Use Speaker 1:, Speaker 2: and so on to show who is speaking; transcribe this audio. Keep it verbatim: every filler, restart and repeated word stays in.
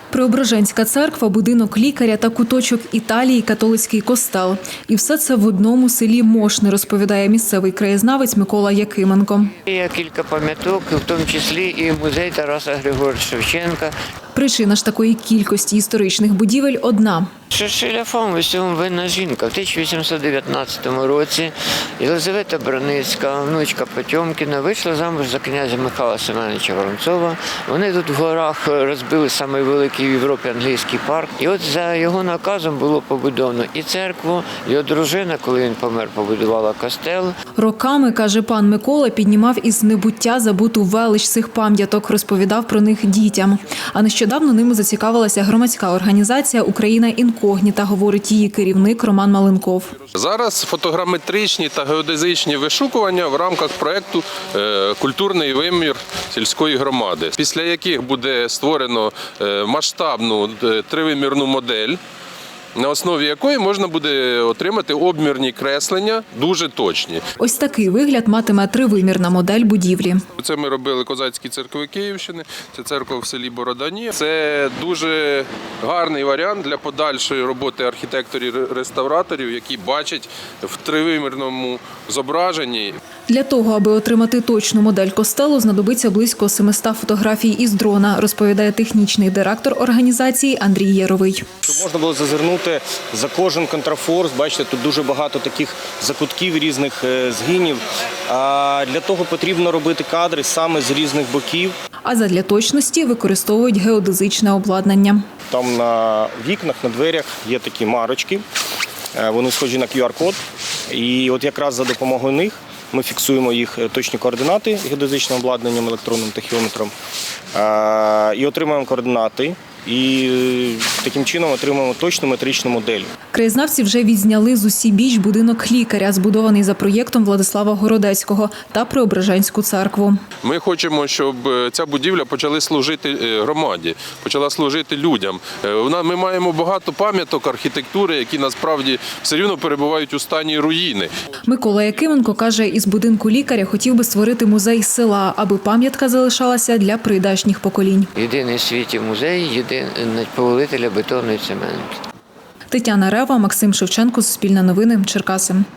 Speaker 1: Преображенська церква, будинок лікаря та куточок Італії, католицький костел. І все це в одному селі Мошни, розповідає місцевий краєзнавець Микола Якименко.
Speaker 2: Є кілька пам'яток, в тому числі і музей Тараса Григоровича Шевченка.
Speaker 1: Причина ж такої кількості історичних будівель одна.
Speaker 2: Шершеляфом в усьому винна жінка. В тисяча вісімсот дев'ятнадцятому році Єлизавета Браницька, внучка Потьомкіна, вийшла замуж за князя Михайла Семеновича Воронцова. Вони тут в горах розбили самий великий в Європі англійський парк. І от за його наказом було побудовано і церкву, його дружина, коли він помер, побудувала костел.
Speaker 1: Роками, каже пан Микола, піднімав із небуття забуту велич цих пам'яток, розповідав про них дітям. А нещодавно ними зацікавилася громадська організація «Україна інкогніта», говорить її керівник Роман Маленков.
Speaker 3: Зараз фотограметричні та геодезичні вишукування в рамках проєкту «Культурний вимір сільської громади», після яких буде створено масштабну тривимірну модель, на основі якої можна буде отримати обмірні креслення, дуже точні.
Speaker 1: Ось такий вигляд матиме тривимірна модель будівлі.
Speaker 3: Це ми робили козацькі церкви Київщини, це церква в селі Бородані. Це дуже гарний варіант для подальшої роботи архітекторів-реставраторів, які бачать в тривимірному зображенні.
Speaker 1: Для того, аби отримати точну модель костелу, знадобиться близько семисот фотографій із дрона, розповідає технічний директор організації Андрій Яровий.
Speaker 4: Щоб можна було зазирнути за кожен контрафорс, бачите, тут дуже багато таких закутків, різних згинів. А для того потрібно робити кадри саме з різних боків.
Speaker 1: А задля точності використовують геодезичне обладнання.
Speaker 4: Там на вікнах, на дверях є такі марочки, вони схожі на ку ар-код. І от якраз за допомогою них ми фіксуємо їх точні координати геодезичним обладнанням, електронним тахіометром, і отримуємо координати. І таким чином отримуємо точну метричну модель.
Speaker 1: Краєзнавці вже відзняли з усібіч будинок лікаря, збудований за проєктом Владислава Городецького, та Преображенську церкву.
Speaker 3: Ми хочемо, щоб ця будівля почала служити громаді, почала служити людям. Ми маємо багато пам'яток архітектури, які насправді все рівно перебувають у стані руїни.
Speaker 1: Микола Якименко каже, із будинку лікаря хотів би створити музей села, аби пам'ятка залишалася для прийдешніх поколінь.
Speaker 2: Єдиний в світі музей, єдиний повелителя бетону і цементу.
Speaker 1: Тетяна Рева, Максим Шевченко, Суспільне новини, Черкаси.